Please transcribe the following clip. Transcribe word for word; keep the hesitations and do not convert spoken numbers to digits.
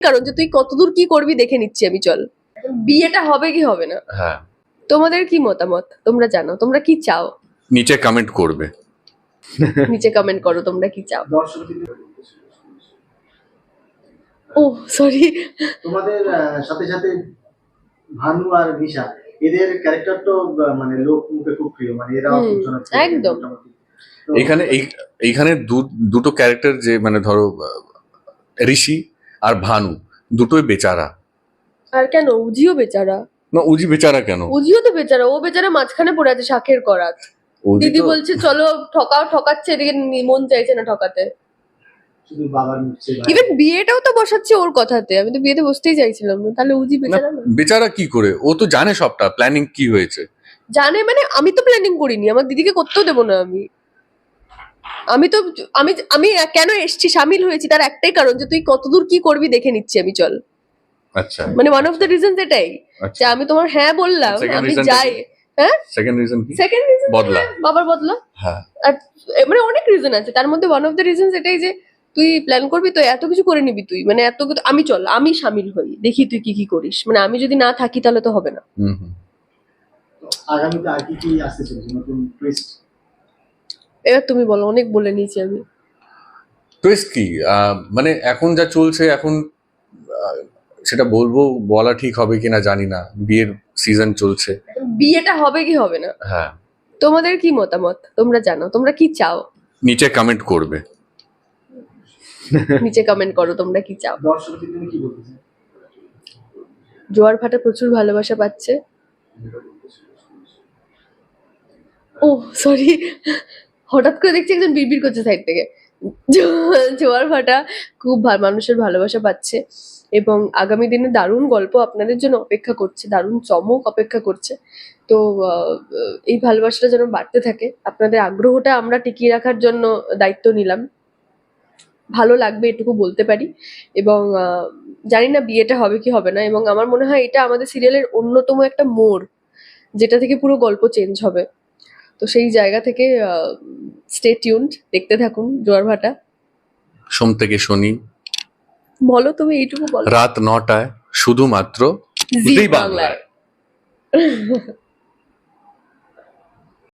কারণ যে তুই কতদূর কি করবি দেখে নিচ্ছি আমি, চল। বিয়েটা হবে কি হবে না, হ্যাঁ, তোমাদের কি মতামত তোমরা জানো, তোমরা কি চাও নিচে কমেন্ট করবে। নিচে কমেন্ট করো তোমরা কি চাও। ও সরি, তোমাদের আহ, সাথে সাথে ভানু আর নিশা এদের ক্যারেক্টার তো আহ, মানে লোক মুখে খুব প্রিয়, মানে এরা হুম, খুব জনপ্রিয় একদম। মোটামুটি। তো এখানে এই- এইখানে দু- দুটো ক্যারেক্টার, যে মানে ধরো আহ, ঋষি আর ভানু, দুটোই বেচারা। আর কেন উজিও বেচারা? না, উজি বেচারা কেন? উজিও তো বেচারা, ও বেচারা মাঝখানে পড়ে আছে শাকের করাত। উজি দিদি তো বলছে চলো ঠকাও, ঠকাচ্ছে, এদিকে নি- মন চাইছে না ঠকাতে। শুধু বাবার মুখছে ইভেন বিয়েটাও তো বসাচ্ছে ওর কথাতে, আমি তো বিয়েতে বসতেই চাইছিলাম না, তাহলে উজি না, বেচারা না? বেচারা কি করে? ও তো জানে সবটা, প্ল্যানিং কি হয়েছে। জানে মানে আমি তো প্ল্যানিং করিনি, আমার দিদিকে করতেও দেবো না আমি। আমি তো আমি আমি কেন এসছি, সামিল হয়েছি তার একটাই কারণ যে তুই কতদূর কি করবি দেখে নিচ্ছি আমি, চল। আচ্ছা, মানে ওয়ান অফ দ্য রিজন এটাই যে আচ্ছা। আমি তোমার হ্যাঁ বললাম, Second আমি reason টা যাই। কি? হ্যাঁ, সেকেন্ড রিজন কি? সেকেন্ড রিজন বদলা। বাবার বদলা। হ্যাঁ, আর এ মানে অনেক রিজন আছে, তার মধ্যে ওয়ান অফ দ্য রিজন এটাই যে তুই প্ল্যান করবি তো এত কিছু করে নিবি তুই, মানে এত কিছু, আমি চল আমি সামিল হই, দেখি তুই কি কি করিস, মানে আমি যদি না থাকি তাহলে তো হবে না। হুম হুম। আগামীতে আর কি কি আসতে চলেছে নতুন টুইস্ট? এবার তুমি বলো, অনেক বলে নিয়েছি আমি। টুইস্ট কি? আহ, মানে এখন যা চলছে এখন, আহ, সেটা বলবো, বলা ঠিক হবে কিনা জানি না। বিয়ের সিজন চলছে। বিয়েটা হবে কি হবে না, হ্যাঁ, তোমাদের কি মতামত তোমরা জানো, তোমরা কি চাও নিচে কমেন্ট করবে। নিচে কমেন্ট করো তোমরা কি চাও। দর্শকদের তুমি কি বলতে চাও? জোয়ার ভাটা প্রচুর ভালোবাসা পাচ্ছে। ও সরি, হঠাৎ করে দেখছি একজন বিড়বিড় করছে সাইড থেকে। জো- জোয়ার ভাটা খুব ভা- মানুষের ভালোবাসা পাচ্ছে এবং আগামী দিনে দারুণ গল্প আপনাদের জন্য অপেক্ষা করছে, দারুণ চমক অপেক্ষা করছে। তো আহ, এই ভালোবাসাটা যেন বাড়তে থাকে, আপনাদের আগ্রহটা আমরা টিকিয়ে রাখার জন্য দায়িত্ব নিলাম। ভালো লাগবে এটুকু বলতে পারি। এবং আহ, জানি না বিয়েটা হবে কি হবে না, এবং আমার মনে হয় এটা আমাদের সিরিয়ালের অন্যতম একটা মোড়, যেটা থেকে পুরো গল্প চেঞ্জ হবে। তো সেই জায়গা থেকে স্টে টিউনড, দেখতে থাকুন জোয়ার ভাটা। সোম থেকে শনি বলো তুমি এইটুকু বলো। রাত নটায় শুধুমাত্র জি জি বাংলায়। বাংলায়।